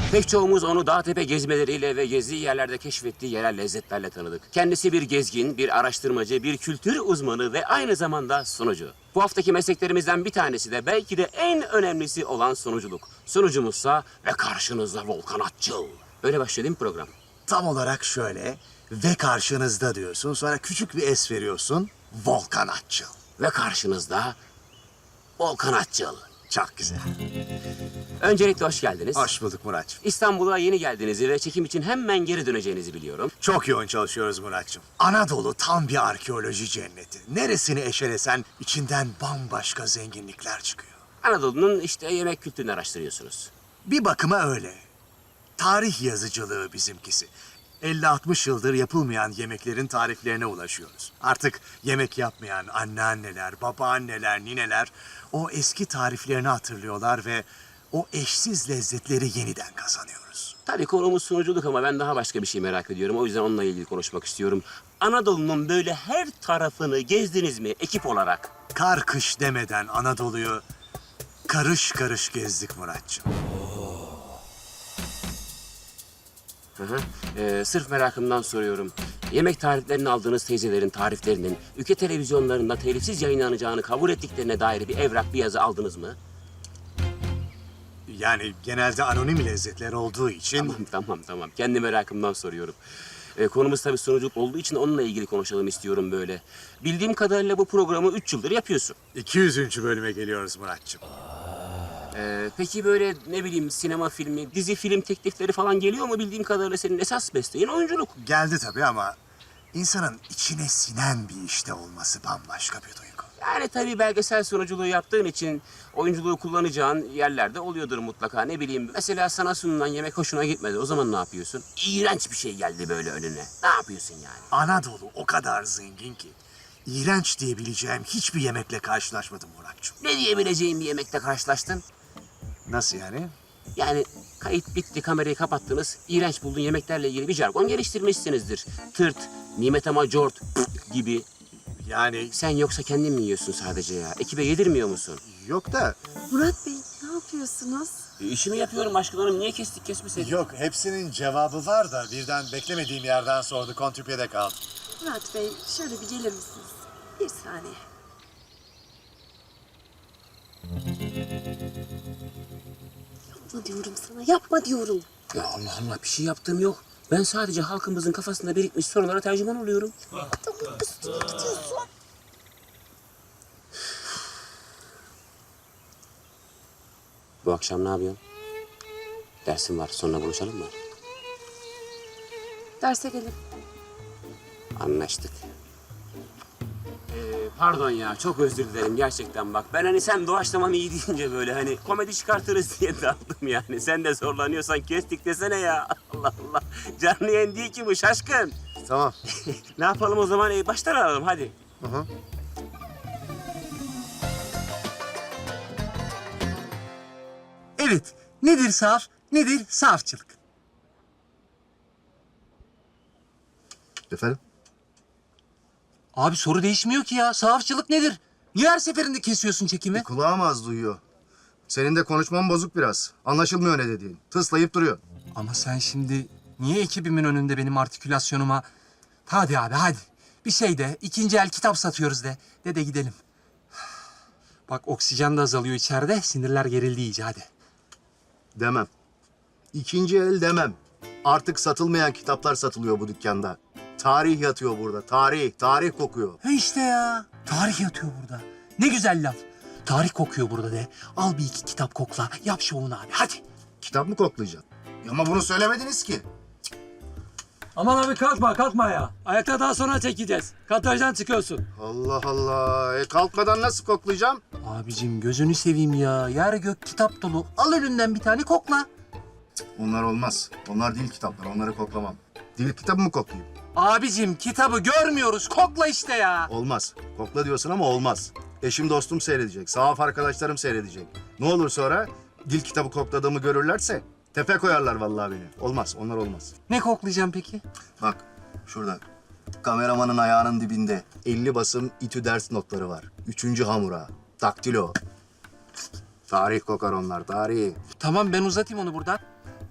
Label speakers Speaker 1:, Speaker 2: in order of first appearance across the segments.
Speaker 1: Pek çoğumuz onu dağ tepe gezmeleriyle ve gezdiği yerlerde keşfettiği yerel lezzetlerle tanıdık. Kendisi bir gezgin, bir araştırmacı, bir kültür uzmanı ve aynı zamanda sunucu. Bu haftaki mesleklerimizden bir tanesi de belki de en önemlisi olan sunuculuk. Sunucumuzsa ve karşınızda Volkan Atçıl. Öyle başlıyor değil mi program?
Speaker 2: Tam olarak şöyle ve karşınızda diyorsun. Sonra küçük bir es veriyorsun. Volkan Atçıl.
Speaker 1: Ve karşınızda Volkan Atçıl.
Speaker 2: Çok güzel.
Speaker 1: Öncelikle hoş geldiniz.
Speaker 2: Hoş bulduk Muratçım.
Speaker 1: İstanbul'a yeni geldiğinizi ve çekim için hemen geri döneceğinizi biliyorum.
Speaker 2: Çok yoğun çalışıyoruz Muratçım. Anadolu tam bir arkeoloji cenneti. Neresini eşelesen içinden bambaşka zenginlikler çıkıyor.
Speaker 1: Anadolu'nun işte yemek kültürünü araştırıyorsunuz.
Speaker 2: Bir bakıma öyle. Tarih yazıcılığı bizimkisi. 50-60 yıldır yapılmayan yemeklerin tariflerine ulaşıyoruz. Artık yemek yapmayan anneanneler, babaanneler, nineler o eski tariflerini hatırlıyorlar ve o eşsiz lezzetleri yeniden kazanıyoruz.
Speaker 1: Tabii konumuz sunuculuk ama ben daha başka bir şey merak ediyorum. O yüzden onunla ilgili konuşmak istiyorum. Anadolu'nun böyle her tarafını gezdiniz mi ekip olarak?
Speaker 2: Kar kış demeden Anadolu'yu karış karış gezdik Muratçım.
Speaker 1: Sırf merakımdan soruyorum. Yemek tariflerini aldığınız teyzelerin tariflerinin ülke televizyonlarında telifsiz yayınlanacağını kabul ettiklerine dair bir evrak, bir yazı aldınız mı?
Speaker 2: Yani genelde anonim lezzetler olduğu için...
Speaker 1: Tamam. Kendi merakımdan soruyorum. Konumuz tabii sunuculuk olduğu için onunla ilgili konuşalım istiyorum böyle. Bildiğim kadarıyla bu programı 3 yıldır yapıyorsun.
Speaker 2: 200. bölüme geliyoruz Muratçım.
Speaker 1: Peki böyle ne bileyim sinema filmi, dizi film teklifleri falan geliyor mu? Bildiğim kadarıyla senin esas mesleğin oyunculuk.
Speaker 2: Geldi tabii ama insanın içine sinen bir işte olması bambaşka bir duygu.
Speaker 1: Yani tabii belgesel sunuculuğu yaptığın için oyunculuğu kullanacağın yerlerde oluyordur mutlaka. Ne bileyim mesela sana sunulan yemek hoşuna gitmedi. O zaman ne yapıyorsun? İğrenç bir şey geldi böyle önüne. Ne yapıyorsun yani?
Speaker 2: Anadolu o kadar zengin ki iğrenç diyebileceğim hiçbir yemekle karşılaşmadım Muratçım.
Speaker 1: Ne diyebileceğin bir yemekle karşılaştın?
Speaker 2: Nasıl yani?
Speaker 1: Yani kayıt bitti, kamerayı kapattınız. İğrenç bulduğun yemeklerle ilgili bir jargon geliştirmişsinizdir. Tırt, nimet ama cort gibi.
Speaker 2: Yani
Speaker 1: Sen yoksa kendin mi yiyorsun sadece ya? Ekibe yedirmiyor musun?
Speaker 2: yok da
Speaker 3: Murat Bey, ne yapıyorsunuz?
Speaker 1: İşimi yapıyorum Aşkın Hanım. Niye kesmeseydin?
Speaker 2: yok hepsinin cevabı var da birden beklemediğim yerden sordu kontrpiyede kaldı.
Speaker 3: Murat Bey, şöyle bir gelir misiniz? Bir saniye. Yapma diyorum sana, yapma diyorum.
Speaker 1: Ya Allah Allah bir şey yaptığım yok. Ben sadece halkımızın kafasında birikmiş sorulara tercüman oluyorum.
Speaker 3: Adamın üstüne gidiyorsun.
Speaker 1: Bu akşam ne yapıyorsun? Dersim var. Sonra buluşalım mı?
Speaker 3: Derse gelin.
Speaker 1: Anlaştık. Pardon ya, çok özür dilerim gerçekten bak. Ben hani sen doğaçlamam iyi deyince böyle hani komedi çıkartırız diye daldım yani. Sen de zorlanıyorsan kestik desene ya. Allah Allah. Canlı yayın değil ki bu şaşkın.
Speaker 2: Tamam.
Speaker 1: Ne yapalım o zaman? Baştan alalım hadi.
Speaker 4: Evet, nedir saf, nedir safçılık?
Speaker 2: Efendim?
Speaker 4: Abi soru değişmiyor ki ya. Safçılık nedir? Niye her seferinde kesiyorsun çekimi?
Speaker 5: Kulağım az duyuyor. Senin de konuşman bozuk biraz. Anlaşılmıyor ne dediğin. Tıslayıp duruyor.
Speaker 4: Ama sen şimdi niye ekibimin önünde benim artikülasyonuma... Hadi abi hadi. Bir şey de, ikinci el kitap satıyoruz de gidelim. Bak oksijen de azalıyor içeride, sinirler gerildi iyice hadi.
Speaker 5: Demem. İkinci el demem. Artık satılmayan kitaplar satılıyor bu dükkanda. Tarih yatıyor burada. Tarih. Tarih kokuyor.
Speaker 4: He işte ya. Tarih yatıyor burada. Ne güzel laf. Tarih kokuyor burada de. Al bir iki kitap kokla. Yap şovunu abi hadi.
Speaker 5: Kitap mı koklayacaksın? Ama bunu söylemediniz ki.
Speaker 6: Aman abi kalkma ya. Ayakta daha sonra çekeceğiz. Katajdan çıkıyorsun.
Speaker 5: Allah Allah. Kalkmadan nasıl koklayacağım?
Speaker 4: Abicim gözünü seveyim ya. Yer gök kitap dolu. Al önünden bir tane kokla.
Speaker 5: Onlar olmaz. Onlar dil kitaplar. Onları koklamam. Dil kitabı mı koklayayım?
Speaker 4: Abicim kitabı görmüyoruz. Kokla işte ya.
Speaker 5: Olmaz. Kokla diyorsun ama olmaz. Eşim dostum seyredecek. Sahaf arkadaşlarım seyredecek. Ne olur sonra dil kitabı kokladığımı görürlerse tepe koyarlar vallahi beni. Olmaz. Onlar olmaz.
Speaker 4: Ne koklayacağım peki?
Speaker 5: Bak şurada kameramanın ayağının dibinde 50 basım İTÜ ders notları var. 3. hamura, daktilo. Tarih kokar onlar, tarih.
Speaker 4: Tamam ben uzatayım onu buradan.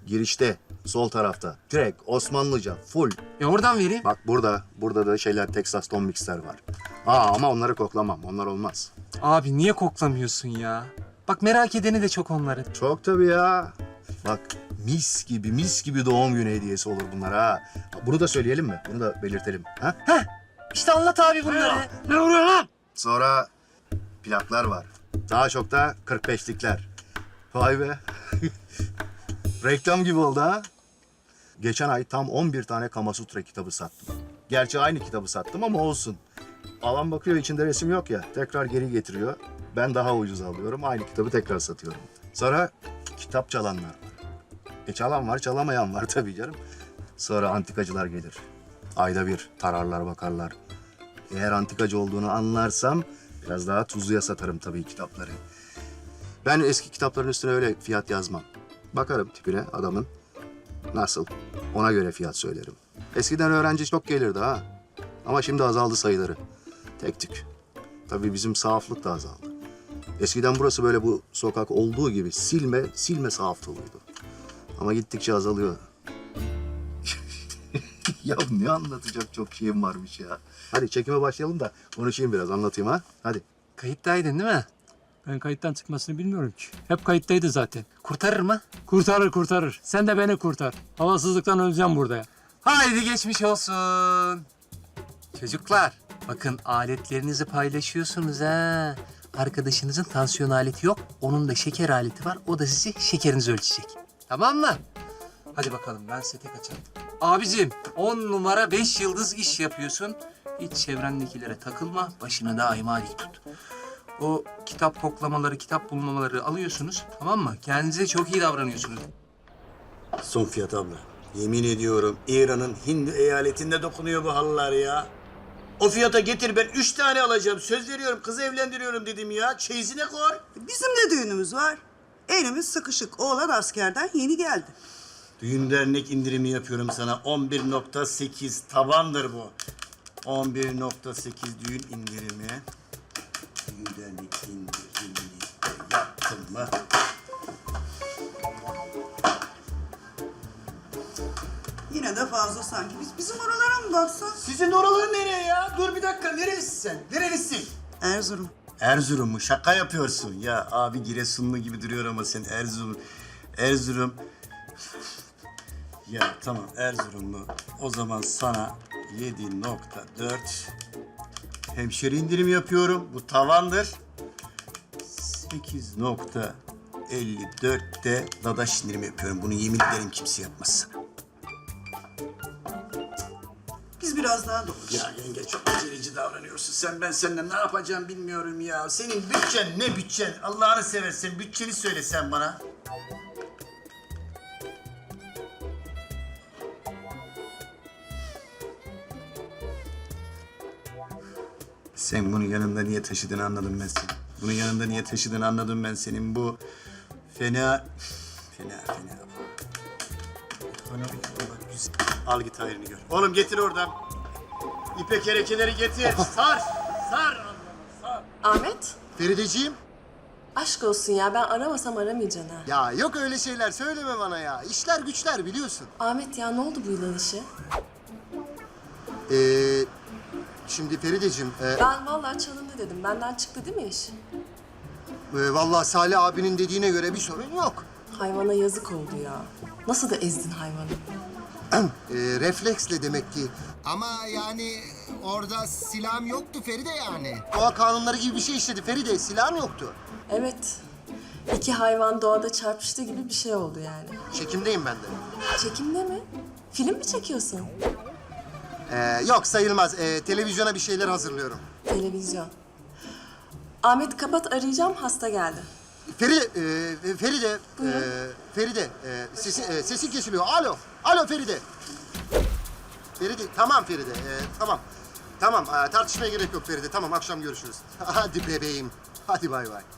Speaker 5: Girişte, sol tarafta. Direkt Osmanlıca, full.
Speaker 4: Oradan vereyim.
Speaker 5: Bak burada da şeyler Texas Don Mix'ler var. Ama onları koklamam, onlar olmaz.
Speaker 4: Abi niye koklamıyorsun ya? Bak merak edeni de çok onların.
Speaker 5: Çok tabii ya. Bak mis gibi doğum günü hediyesi olur bunlar ha. Bunu da söyleyelim mi? Bunu da belirtelim. Ha?
Speaker 4: İşte anlat abi bunları.
Speaker 6: Ne oluyor lan?
Speaker 5: Sonra plaklar var. Daha çok da 45'likler. Vay be. Reklam gibi oldu ha. Geçen ay tam 11 tane Kamasutra kitabı sattım. Gerçi aynı kitabı sattım ama olsun. Alan bakıyor içinde resim yok ya. Tekrar geri getiriyor. Ben daha ucuz alıyorum. Aynı kitabı tekrar satıyorum. Sonra kitap çalanlar var. Çalan var, çalamayan var tabii canım. Sonra antikacılar gelir. Ayda bir tararlar, bakarlar. Eğer antikacı olduğunu anlarsam biraz daha tuzluya satarım tabii kitapları. Ben eski kitapların üstüne öyle fiyat yazmam. Bakarım tipine adamın. Nasıl? Ona göre fiyat söylerim. Eskiden öğrenci çok gelirdi ha. Ama şimdi azaldı sayıları. Tek tük. Tabii bizim sahaflık da azaldı. Eskiden burası böyle bu sokak olduğu gibi silme sahaf doluydu. Ama gittikçe azalıyor. Ya ne anlatacak çok şeyim varmış ya. Hadi çekime başlayalım da konuşayım biraz, anlatayım ha. Hadi.
Speaker 4: Kayıttaydın değil mi?
Speaker 6: Ben kayıttan çıkmasını bilmiyorum ki. Hep kayıttaydı zaten.
Speaker 4: Kurtarır mı?
Speaker 6: Kurtarır. Sen de beni kurtar. Havasızlıktan öleceğim burada ya.
Speaker 4: Haydi geçmiş olsun. Çocuklar bakın aletlerinizi paylaşıyorsunuz ha. Arkadaşınızın tansiyon aleti yok. Onun da şeker aleti var. O da sizi şekerinizi ölçecek. Tamam mı? Hadi bakalım ben sete kaçayım. Abicim 10 numara 5 yıldız iş yapıyorsun. Hiç çevrendekilere takılma. Başını daima dik tut. O kitap koklamaları, kitap bulmamaları alıyorsunuz. Tamam mı? Kendinize çok iyi davranıyorsunuz.
Speaker 7: Son fiyat abla. Yemin ediyorum İran'ın Hindi eyaletinde dokunuyor bu halılar ya. O fiyata getir, ben 3 tane alacağım. Söz veriyorum, kızı evlendiriyorum dedim ya. Çeyizine koy.
Speaker 8: Bizim de düğünümüz var. Elimiz sıkışık. Oğlan askerden yeni geldi.
Speaker 7: Düğün dernek indirimi yapıyorum sana. 11.8 tabandır bu. 11.8 düğün indirimi. Düğün dernek indirimini yaptım mı?
Speaker 8: Yine de fazla sanki. Bizim oralara mı baksan?
Speaker 7: Sizin oralar nereye ya? Dur bir dakika, nerelisin sen? Nerelisin?
Speaker 8: Erzurum.
Speaker 7: Erzurum mu? Şaka yapıyorsun. Ya abi Giresunlu gibi duruyor ama sen Erzurum. Ya tamam Erzurumlu. O zaman sana 7.4 hemşire indirim yapıyorum. Bu tavandır. 8.54 de dadaş indirim yapıyorum. Bunu yemin ederim kimse yapmaz.
Speaker 8: Biz biraz daha dolmuş.
Speaker 7: Ya yenge çok aceleci davranıyorsun sen. Ben seninle ne yapacağım bilmiyorum ya. Senin bütçen ne bütçen? Allah'ını seversen bütçeni söyle sen bana. Sen bunu yanında niye taşıdığını anladım ben senin. Bunu yanında niye taşıdığını anladım ben senin. Bu fena. Al git hayrını gör. Oğlum getir oradan. İpek erekeleri getir. Sar. Sar. Sar.
Speaker 3: Ahmet,
Speaker 2: Ferideciğim.
Speaker 3: aşk olsun ya. Ben aramasam aramayacaksın ha.
Speaker 2: Ya yok öyle şeyler söyleme bana ya. İşler güçler biliyorsun.
Speaker 3: Ahmet ya ne oldu bu yılan işi?
Speaker 2: Şimdi Ferideciğim,
Speaker 3: Ben vallahi çalındı dedim. Benden çıktı değil mi iş?
Speaker 2: vallahi Salih abinin dediğine göre bir sorun yok.
Speaker 3: Hayvana yazık oldu ya. Nasıl da ezdin hayvanı?
Speaker 2: Refleksle demek ki.
Speaker 9: Ama yani orada silahım yoktu Feride yani.
Speaker 2: Doğa kanunları gibi bir şey işledi Feride. Silahın yoktu.
Speaker 3: Evet. İki hayvan doğada çarpıştı gibi bir şey oldu yani.
Speaker 2: Çekimdeyim ben de.
Speaker 3: Çekimde mi? Film mi çekiyorsun?
Speaker 2: Yok sayılmaz. Televizyona bir şeyler hazırlıyorum.
Speaker 3: Televizyon. Ahmet kapat, arayacağım, hasta geldi.
Speaker 2: Feride, Feride, sesin kesiliyor. Alo Feride. Feride, tamam Feride, tamam. Tamam, tartışmaya gerek yok Feride. Tamam, akşam görüşürüz. Hadi bebeğim, hadi bay bay.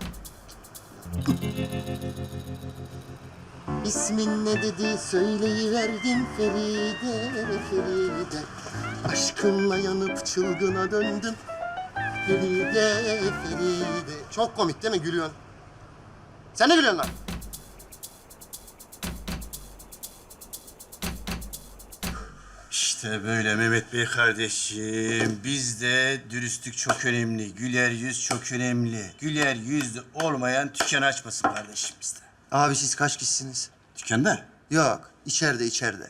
Speaker 2: İsmin ne dedi söyleyiverdim Feride. Aşkınla yanıp çılgına döndüm. Feride. Çok komik değil mi? Gülüyorsun. Sen ne gülüyorsun lan?
Speaker 7: İşte böyle Mehmet Bey kardeşim. Bizde dürüstlük çok önemli. Güler yüz çok önemli. Güler yüzlü olmayan dükkan açmasın kardeşim bizde.
Speaker 5: Abi siz kaç kişisiniz?
Speaker 7: Dükkanda?
Speaker 5: Yok, içeride.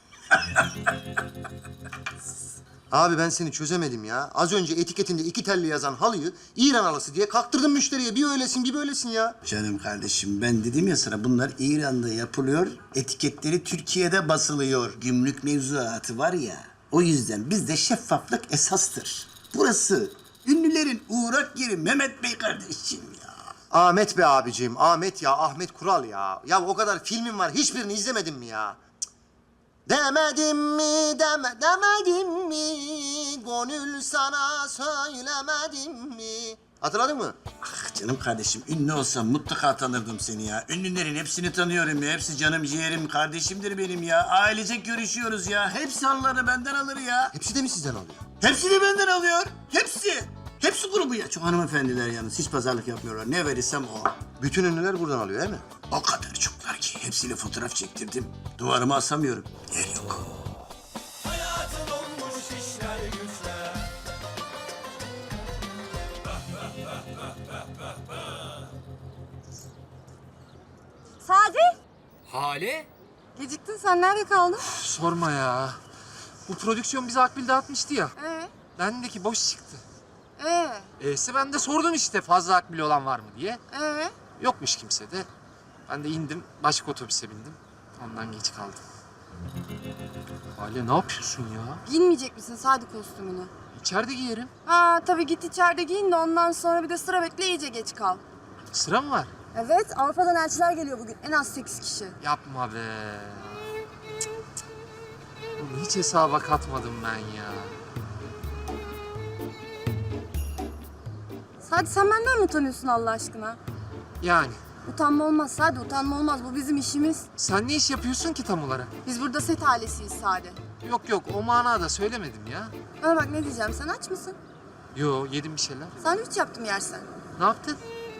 Speaker 5: Abi ben seni çözemedim ya. Az önce etiketinde 2 telli yazan halıyı İran halısı diye kaktırdın müşteriye. Bir öylesin, bir böylesin ya.
Speaker 7: Canım kardeşim ben dedim ya sana bunlar İran'da yapılıyor. Etiketleri Türkiye'de basılıyor. Gümrük mevzuatı var ya. O yüzden bizde şeffaflık esastır. Burası ünlülerin uğrak yeri Mehmet Bey kardeşim ya.
Speaker 5: Ahmet be abicim, Ahmet ya, Ahmet Kural ya. Ya o kadar filmin var, hiçbirini izlemedin mi ya? Cık. Demedim mi, demedim mi? Gönül sana söylemedim mi? Hatırladın mı?
Speaker 7: Ah canım kardeşim ünlü olsam mutlaka tanırdım seni ya. Ünlülerin hepsini tanıyorum ya. Hepsi canım ciğerim kardeşimdir benim ya. Ailecek görüşüyoruz ya. Hepsi halları benden alır ya.
Speaker 5: Hepsi de mi sizden alıyor?
Speaker 7: Hepsi de benden alıyor. Hepsi. Hepsi grubu ya. Çok hanımefendiler yalnız. Hiç pazarlık yapmıyorlar. Ne verirsem o.
Speaker 5: Bütün ünlüler buradan alıyor değil mi?
Speaker 7: O kadar çoklar ki. Hepsiyle fotoğraf çektirdim. Duvarıma asamıyorum. Yer yok.
Speaker 3: Sadi!
Speaker 4: Hale?
Speaker 3: Geciktin sen nerede kaldın?
Speaker 4: Sorma ya. Bu prodüksiyon bize akbil dağıtmıştı ya.
Speaker 3: Ee?
Speaker 4: Bendeki boş çıktı.
Speaker 3: Ee?
Speaker 4: Ben de sordum işte fazla akbil olan var mı diye.
Speaker 3: Ee?
Speaker 4: Yokmuş kimse de. Ben de indim, başka otobüse bindim. Ondan geç kaldım. Hale ne yapıyorsun ya?
Speaker 3: Giyinmeyecek misin Sadi kostümünü?
Speaker 4: İçeride giyerim.
Speaker 3: Ha tabii git içeride giyin de ondan sonra bir de sıra bekle iyice geç kal.
Speaker 4: Sıra mı var?
Speaker 3: Evet Avrupa'dan elçiler geliyor bugün en az 8 kişi.
Speaker 4: Yapma be. Cık, cık. Bunu hiç hesaba katmadım ben ya.
Speaker 3: Sadi sen benden mi utanıyorsun Allah aşkına?
Speaker 4: Yani
Speaker 3: Utanma olmaz Sadi utanma olmaz bu bizim işimiz.
Speaker 4: sen ne iş yapıyorsun ki tam olarak?
Speaker 3: Biz burada set ailesiyiz Sadi.
Speaker 4: Yok o manada söylemedim ya.
Speaker 3: Bana bak ne diyeceğim sen aç mısın?
Speaker 4: Yo yedim bir şeyler.
Speaker 3: Sandviç yaptım yersen.
Speaker 4: Ne yaptın?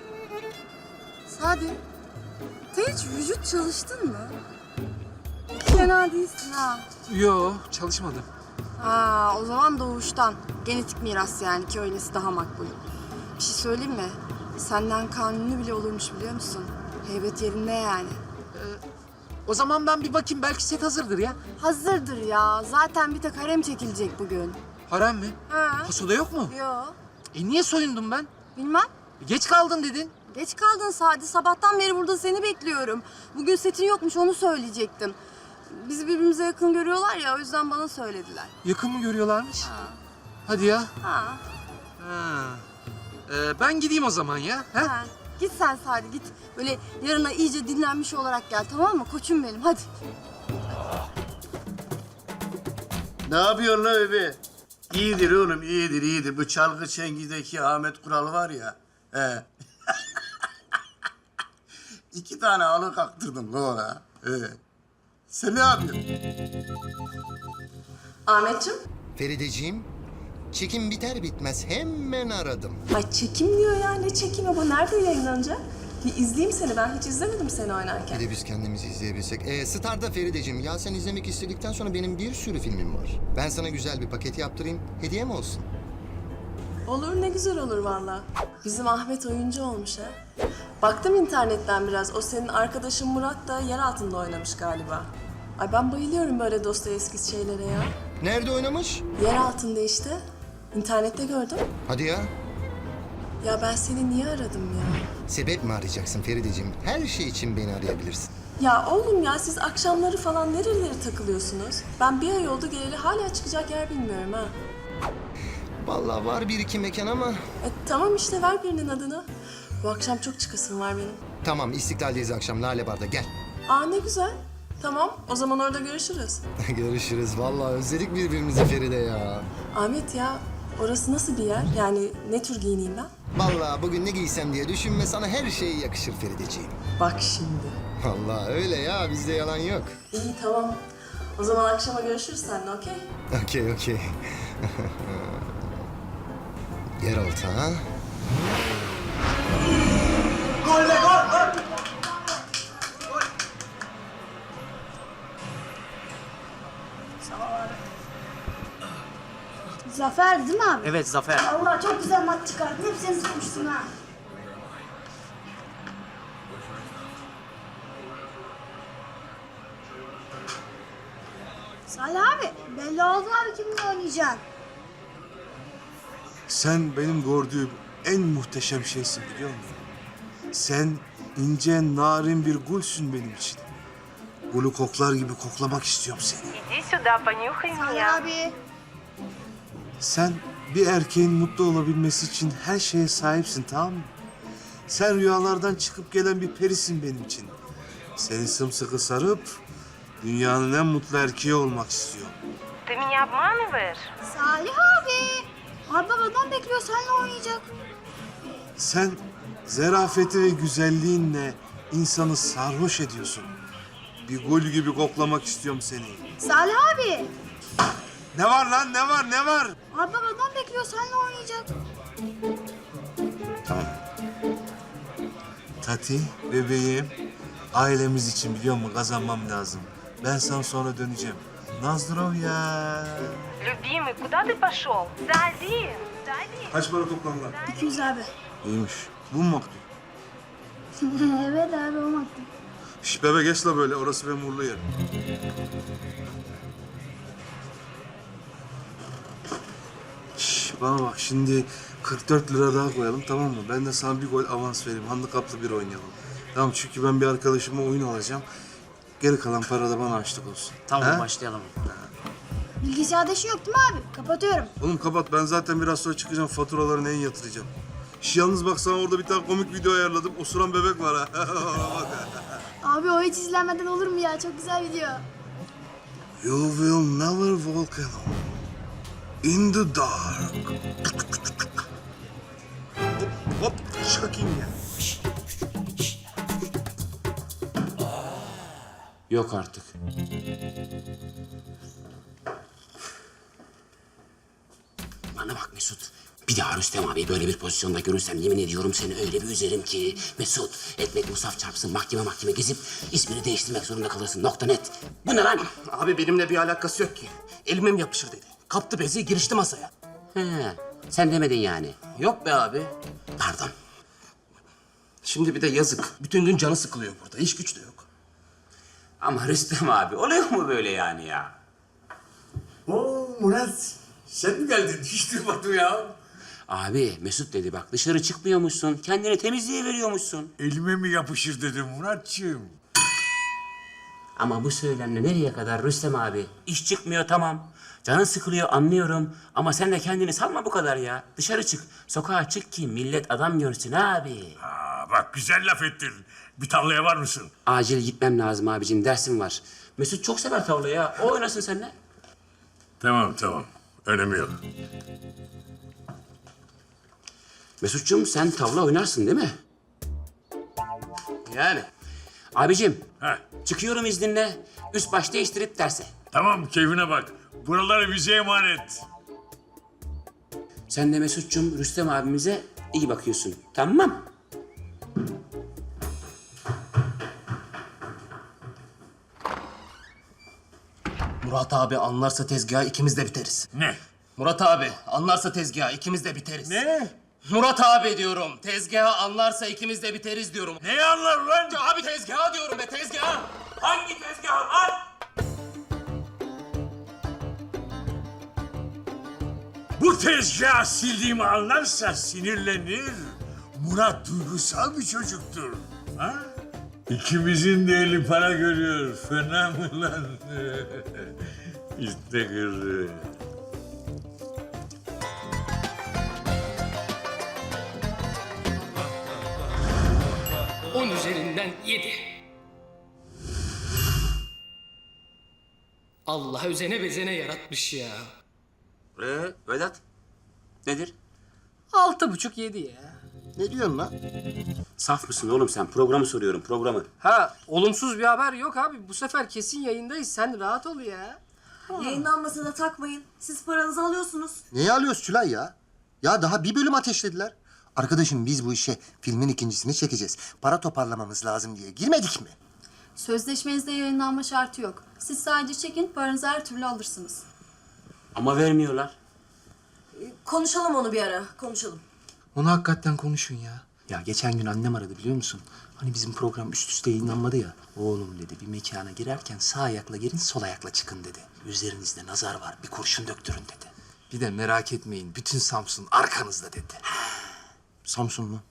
Speaker 3: Sadi sen hiç vücut çalıştın mı? Fena değilsin ha.
Speaker 4: Yo çalışmadım.
Speaker 3: Ha o zaman doğuştan. Genetik miras yani ki öylesi daha makbul. Bir şey söyleyeyim mi? Senden kanuni bile olurmuş biliyor musun? Heybet yerinde yani.
Speaker 4: O zaman ben bir bakayım belki set hazırdır ya.
Speaker 3: Hazırdır ya. Zaten bir tek harem çekilecek bugün.
Speaker 4: Harem mi?
Speaker 3: Ha?
Speaker 4: Pasoda yok mu?
Speaker 3: Yo.
Speaker 4: Niye soyundum ben?
Speaker 3: Bilmem.
Speaker 4: Geç kaldın dedin.
Speaker 3: Geç kaldın Sadi. Sabahtan beri burada seni bekliyorum. Bugün setin yokmuş onu söyleyecektim. Bizi birbirimize yakın görüyorlar ya o yüzden bana söylediler.
Speaker 4: Yakın mı görüyorlarmış? Hadi ya.
Speaker 3: Ha.
Speaker 4: Ha. Ben gideyim o zaman ya. Ha?
Speaker 3: Ha. Git sen Sadi git. Böyle yarına iyice dinlenmiş olarak gel tamam mı? Koçum benim hadi.
Speaker 7: Ne yapıyorsun la bebe? İyidir oğlum, iyidir. Bu çalgı çengideki Ahmet Kural var ya. He. 2 tane halı kaktırdım la ona. He. Sen ne yapıyorsun?
Speaker 3: Ahmetciğim.
Speaker 9: Ferideciğim, çekim biter bitmez hemen aradım.
Speaker 3: Ay çekim diyor ya. Ne çekimi bu? Nerede yayınlanacak? Bir izleyeyim seni. Ben hiç izlemedim seni oynarken.
Speaker 9: Bir de biz kendimizi izleyebilsek. Star'da Ferideciğim, ya sen izlemek istedikten sonra benim bir sürü filmim var. Ben sana güzel bir paket yaptırayım, hediye mi olsun?
Speaker 3: Olur ne güzel olur valla. Bizim Ahmet oyuncu olmuş ha. Baktım internetten biraz. O senin arkadaşın Murat da yer altında oynamış galiba. Ay ben bayılıyorum böyle Dostoyevski şeylere ya.
Speaker 9: Nerede oynamış?
Speaker 3: Yer altında işte. İnternette gördüm.
Speaker 9: Hadi ya.
Speaker 3: Ya ben seni niye aradım ya?
Speaker 9: Sebep mi arayacaksın Ferideciğim? Her şey için beni arayabilirsin.
Speaker 3: Ya oğlum ya siz akşamları falan nerelere takılıyorsunuz? Ben bir ay oldu geleli hala çıkacak yer bilmiyorum ha.
Speaker 9: Vallahi var bir iki mekan ama...
Speaker 3: Tamam işte ver birinin adını. Bu akşam çok çıkasım var benim.
Speaker 9: Tamam, İstiklal'deyiz akşam Lale Bar'da, gel.
Speaker 3: Aa ne güzel. Tamam o zaman orada görüşürüz.
Speaker 9: Görüşürüz. Vallahi özledik birbirimizi Feride ya.
Speaker 3: Ahmet ya orası nasıl bir yer? Yani ne tür giyineyim ben?
Speaker 9: Vallahi bugün ne giysem diye düşünme, sana her şey yakışır Ferideciğim.
Speaker 3: Bak şimdi.
Speaker 9: Vallahi öyle ya, bizde yalan yok.
Speaker 3: İyi tamam. O zaman akşama görüşürüz seninle okey?
Speaker 9: Okey. Yeraltı ha?
Speaker 10: Zafer değil mi abi?
Speaker 11: Evet Zafer.
Speaker 10: Allah çok güzel maç çıkardın. Hep sen sıkmışsın ha. Salih abi belli oldu abi kiminle oynayacaksın.
Speaker 2: Sen benim gördüğüm en muhteşem şeysin biliyor musun? Sen ince, narin bir gülsün benim için. Gülü koklar gibi koklamak istiyorum seni.
Speaker 10: Salih abi.
Speaker 2: Sen bir erkeğin mutlu olabilmesi için her şeye sahipsin, tamam mı? Sen rüyalardan çıkıp gelen bir perisin benim için. Seni sımsıkı sarıp dünyanın en mutlu erkeği olmak istiyorum.
Speaker 10: Salih abi. Abi babadan bekliyor seninle oynayacak.
Speaker 2: Sen zerafeti ve güzelliğinle insanı sarhoş ediyorsun. Bir gül gibi koklamak istiyorum seni.
Speaker 10: Salih abi.
Speaker 2: Ne var lan, ne var, ne var?
Speaker 10: Abi babadan bekliyor seninle oynayacak.
Speaker 2: Tamam. Tati, bebeğim, ailemiz için biliyor musun kazanmam lazım. Ben sana sonra döneceğim. Nazdrovya.
Speaker 12: Любимый, куда ты пошел? Зайди, зайди.
Speaker 2: Kaç para toplam lan?
Speaker 10: 200 abi.
Speaker 2: İyiymiş. Bu mu maktul?
Speaker 10: Evet abi o maktul.
Speaker 2: Şş bebe geç la böyle, orası benim uğurlu yerim. Şş bana bak şimdi 44 lira daha koyalım tamam mı? Ben de sana bir gol avans vereyim. Handikaplı bir oynayalım. Tamam çünkü ben bir arkadaşıma oyun alacağım. Geri kalan para da bana açlık olsun.
Speaker 11: Tamam
Speaker 2: He?
Speaker 11: başlayalım.
Speaker 10: Bilgisayarda işin yok değil mi abi? Kapatıyorum.
Speaker 2: Oğlum kapat, ben zaten biraz sonra çıkacağım, faturaları neyin yatıracağım. Şş, yalnız bak sana orada bir tane komik video ayarladım. Osuran bebek var ha.
Speaker 10: Abi o hiç izlenmeden olur mu ya? Çok güzel video.
Speaker 2: You will never walk alone in the dark. Hop hop çakayım ya.
Speaker 1: Yok artık. Bana bak Mesut. Bir daha Rüstem abi böyle bir pozisyonda görürsem yemin ediyorum seni öyle bir üzerim ki. Mesut, ekmek musaf çarpsın mahkeme gezip ismini değiştirmek zorunda kalırsın. Nokta net. Bu ne lan?
Speaker 11: Abi benimle bir alakası yok ki. Elime mi yapışır dedi. Kaptı bezi girişti masaya.
Speaker 1: He, sen demedin yani.
Speaker 11: Yok be abi.
Speaker 1: Pardon.
Speaker 11: Şimdi bir de yazık. Bütün gün canı sıkılıyor burada. İş güç de yok.
Speaker 1: Ama Rüstem abi oluyor mu böyle yani ya?
Speaker 7: Oo Murat, sen mi geldin? Hiç duymadım ya.
Speaker 1: Abi Mesut dedi bak dışarı çıkmıyormuşsun. Kendini temizliğe veriyormuşsun.
Speaker 7: Elime mi yapışır dedim Muratçığım.
Speaker 1: Ama bu söylemle nereye kadar Rüstem abi? İş çıkmıyor tamam. Canın sıkılıyor anlıyorum. Ama sen de kendini salma bu kadar ya. Dışarı çık. Sokağa çık ki millet adam görsün abi.
Speaker 7: Bak güzel laf ettin. Bir tavlaya var mısın?
Speaker 1: Acil gitmem lazım abicim. Dersim var. Mesut çok sever tavlayı ya. O oynasın seninle.
Speaker 7: Tamam. Önemi yok.
Speaker 1: Mesut'cum sen tavla oynarsın değil mi?
Speaker 11: Yani.
Speaker 1: Abicim
Speaker 7: Heh.
Speaker 1: çıkıyorum izninle. Üst baş değiştirip derse.
Speaker 7: Tamam keyfine bak. Buraları bize emanet.
Speaker 1: Sen de Mesut'cum Rüstem abimize iyi bakıyorsun. Tamam.
Speaker 11: Murat abi anlarsa tezgahı ikimiz de biteriz.
Speaker 7: Ne?
Speaker 11: Murat abi anlarsa tezgahı ikimiz de biteriz.
Speaker 7: Ne?
Speaker 11: Murat abi diyorum. Tezgahı anlarsa ikimiz de biteriz diyorum.
Speaker 7: Neyi anlar lan?
Speaker 11: Abi tezgahı diyorum be tezgahı.
Speaker 1: Hangi tezgah lan?
Speaker 7: Bu tezgahı sildiğimi anlarsa sinirlenir. Murat duygusal bir çocuktur. Ha? İkimizin de eli para görüyor. Fena mı lan? İşte kırı.
Speaker 13: 10 üzerinden 7. Allah özene bezene yaratmış ya.
Speaker 1: Vedat nedir?
Speaker 11: 6,5-7 ya.
Speaker 9: Ne diyorsun lan?
Speaker 1: Saf mısın oğlum sen? Programı soruyorum programı.
Speaker 11: Ha olumsuz bir haber yok abi. Bu sefer kesin yayındayız. Sen rahat ol ya.
Speaker 3: Yayınlanmasa da takmayın. Siz paranızı alıyorsunuz.
Speaker 9: Neyi alıyoruz Tülay ya? Ya daha bir bölüm ateşlediler. Arkadaşım biz bu işe filmin ikincisini çekeceğiz. Para toparlamamız lazım diye girmedik mi?
Speaker 10: Sözleşmenizde yayınlanma şartı yok. Siz sadece çekin, paranızı her türlü alırsınız.
Speaker 1: Ama vermiyorlar.
Speaker 3: Konuşalım onu bir ara, konuşalım.
Speaker 4: Onu hakikaten konuşun ya. Ya geçen gün annem aradı biliyor musun? Hani bizim program üst üste yayınlanmadı ya. Oğlum dedi bir mekana girerken sağ ayakla girin sol ayakla çıkın dedi. Üzerinizde nazar var bir kurşun döktürün dedi. Bir de merak etmeyin bütün Samsun arkanızda dedi.
Speaker 9: Samsun mu?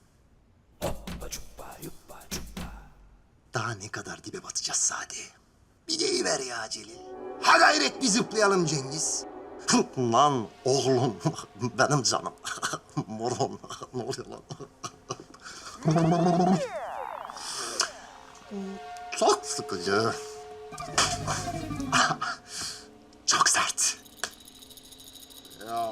Speaker 9: Daha ne kadar dibe batacağız Sadi? Bir deyiver ya Celil. Ha gayret bir zıplayalım Cengiz. Lan oğlum, benim canım. Moron, ne oluyor lan? Çok sıkıcı. Çok sert. Ya.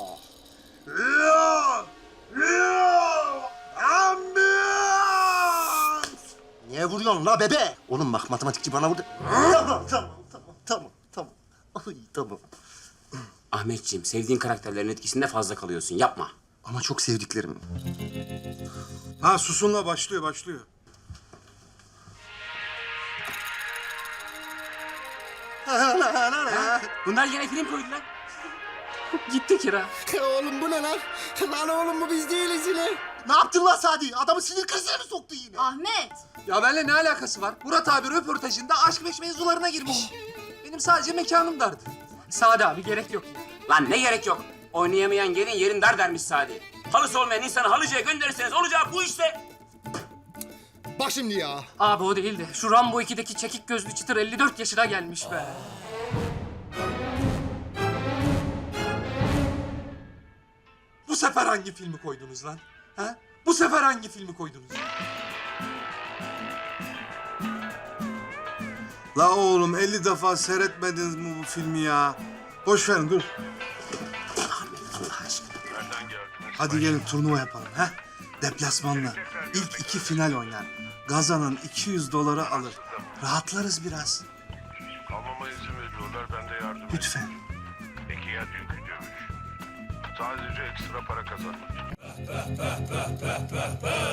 Speaker 9: Ambiyans! Niye vuruyorsun la bebe? Oğlum bak matematikçi bana vurdu. Tamam. Ay tamam.
Speaker 1: Ahmetciğim, sevdiğin karakterlerin etkisinde fazla kalıyorsun. Yapma.
Speaker 9: Ama çok sevdiklerim.
Speaker 2: Ha Susun'la başlıyor.
Speaker 1: Bunlar yine film koydular. Gitti kira.
Speaker 9: Oğlum bu ne lan? Lan oğlum bu biz değiliz yine. Ne yaptın lan Sadi? Adamı sinir krizine mi soktu yine?
Speaker 10: Ahmet.
Speaker 4: Ya benimle ne alakası var? Murat abi röportajında aşk meş mevzularına girmiş. Benim sadece mekanım dardı.
Speaker 13: Sade abi gerek yok ya.
Speaker 1: Lan ne gerek yok. Oynayamayan gelin yerin dar dermiş Sadi. Halısı olmayan insanı halıcıya gönderirseniz olacağı bu işte.
Speaker 9: Bak şimdi ya.
Speaker 13: Abi o değil de şu Rambo 2'deki çekik gözlü çıtır 54 yaşına gelmiş be.
Speaker 4: Bu sefer hangi filmi koydunuz lan? Ha? Bu sefer hangi filmi koydunuz?
Speaker 2: La oğlum 50 defa seyretmediniz mi bu filmi ya? Boş verin dur. Hadi gelin turnuva yapalım ha? Deplasmanla. İlk 2 final oynar. Kazanan $200 alır. Rahatlarız biraz.
Speaker 14: Kalmama izin veriyorlar, ben de yardım
Speaker 2: Lütfen.
Speaker 14: Peki ya dünkü dövüş? Sadece ekstra para kazanmak.